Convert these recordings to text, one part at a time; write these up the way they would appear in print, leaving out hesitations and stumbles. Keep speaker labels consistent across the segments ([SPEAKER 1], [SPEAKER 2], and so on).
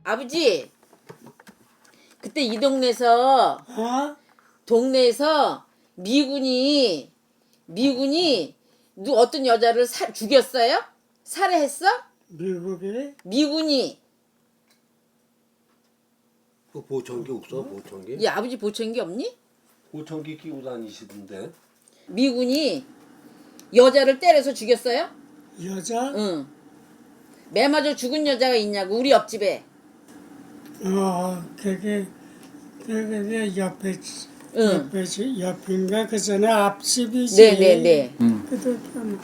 [SPEAKER 1] 아버지, 그때 이 동네에서 미군이 어떤 여자를 죽였어요? 살해했어?
[SPEAKER 2] 미국에
[SPEAKER 1] 미군이.
[SPEAKER 3] 그 보청기 없어? 보청기?
[SPEAKER 1] 이 아버지 보청기 없니?
[SPEAKER 3] 보청기 끼고 다니시던데.
[SPEAKER 1] 미군이 여자를 때려서 죽였어요?
[SPEAKER 2] 여자?
[SPEAKER 1] 응. 매 맞아 죽은 여자가 있냐고 우리 옆집에.
[SPEAKER 2] 그게
[SPEAKER 1] 응.
[SPEAKER 2] 옆인가 그 전에 앞집이지.
[SPEAKER 1] 네네네.
[SPEAKER 2] 그도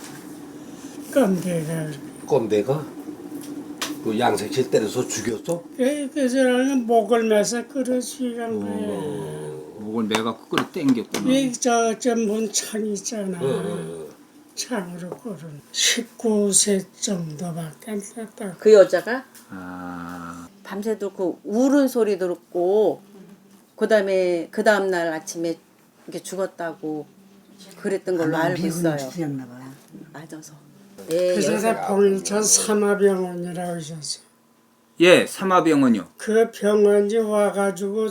[SPEAKER 2] 깜대가.
[SPEAKER 3] 껌대가? 그 양색실 때려서 죽였어?
[SPEAKER 2] 그 사람은 목을 매서 끌어주간 거야.
[SPEAKER 4] 목을 매갖고 끌어 당겼구나.
[SPEAKER 2] 이저 문창 있잖아. 창으로 끌은 19세 정도밖에 안 됐다.
[SPEAKER 1] 그 여자가
[SPEAKER 4] 아,
[SPEAKER 1] 밤새도록 그 울은 소리 듣고 그다음에 그 다음 날 아침에 이렇게 죽었다고 그랬던 걸로 알고 있어요.
[SPEAKER 5] 죽였나 봐.
[SPEAKER 1] 맞아서. 네,
[SPEAKER 2] 그 사람 봉일천 삼화병원이라고 있었어.
[SPEAKER 4] 예, 삼화병원이요.
[SPEAKER 2] 그 병원이 와가지고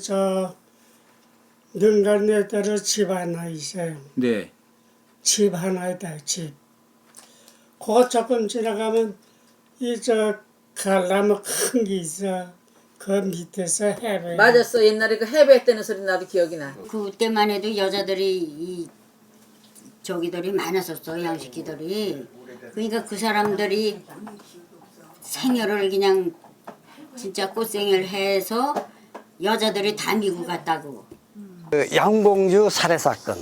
[SPEAKER 2] 능간네대로 집 하나 있어요.
[SPEAKER 4] 네.
[SPEAKER 2] 집 하나에다 집. 그거 조금 지나가면 갈나무 큰 게 있어. 그 밑에서 해배.
[SPEAKER 1] 맞았어. 옛날에 그 해배했다는 소리 나도 기억이 나.
[SPEAKER 5] 그때만 해도 여자들이 저기들이 많았었어, 양식기들이. 그러니까 그 사람들이 생혈을 그냥 진짜 꽃생혈 해서 여자들이 다 미국 갔다고.
[SPEAKER 6] 그 양봉주 살해 사건.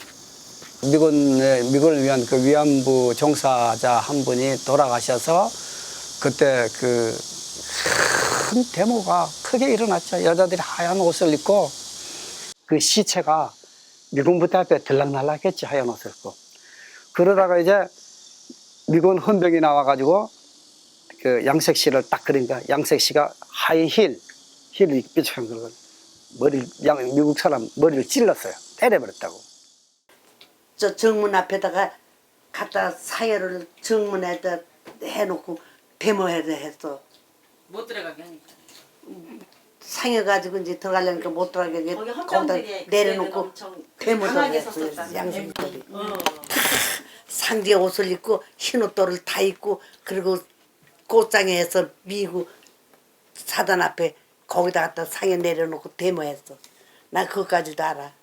[SPEAKER 6] 미군을 위한 그 위안부 종사자 한 분이 돌아가셔서 그때 그 큰 데모가 크게 일어났죠. 여자들이 하얀 옷을 입고 그 시체가 미군 부대 앞에 들락날락했지, 하얀 옷을 입고. 그러다가 이제 미군 헌병이 나와가지고 그 양색 씨를 딱 그러니까 양색 씨가 하이 힐을 삐죽한 걸 미국 사람 머리를 찔렀어요. 때려버렸다고.
[SPEAKER 7] 저 정문 앞에다가 갖다 사열을 정문에다 해놓고 데모해서 했어.
[SPEAKER 1] 못 들어가게 하니까.
[SPEAKER 7] 상해가지고 이제 들어가려니까 못 들어가게 거기다 내려놓고 데모를 했어요. 양심들이. 상디에 옷을 입고 흰 옷도를 다 입고 그리고 꽃장에서 미국 사단 앞에 거기다 갖다 상해 내려놓고 데모했어. 나 그것까지도 알아.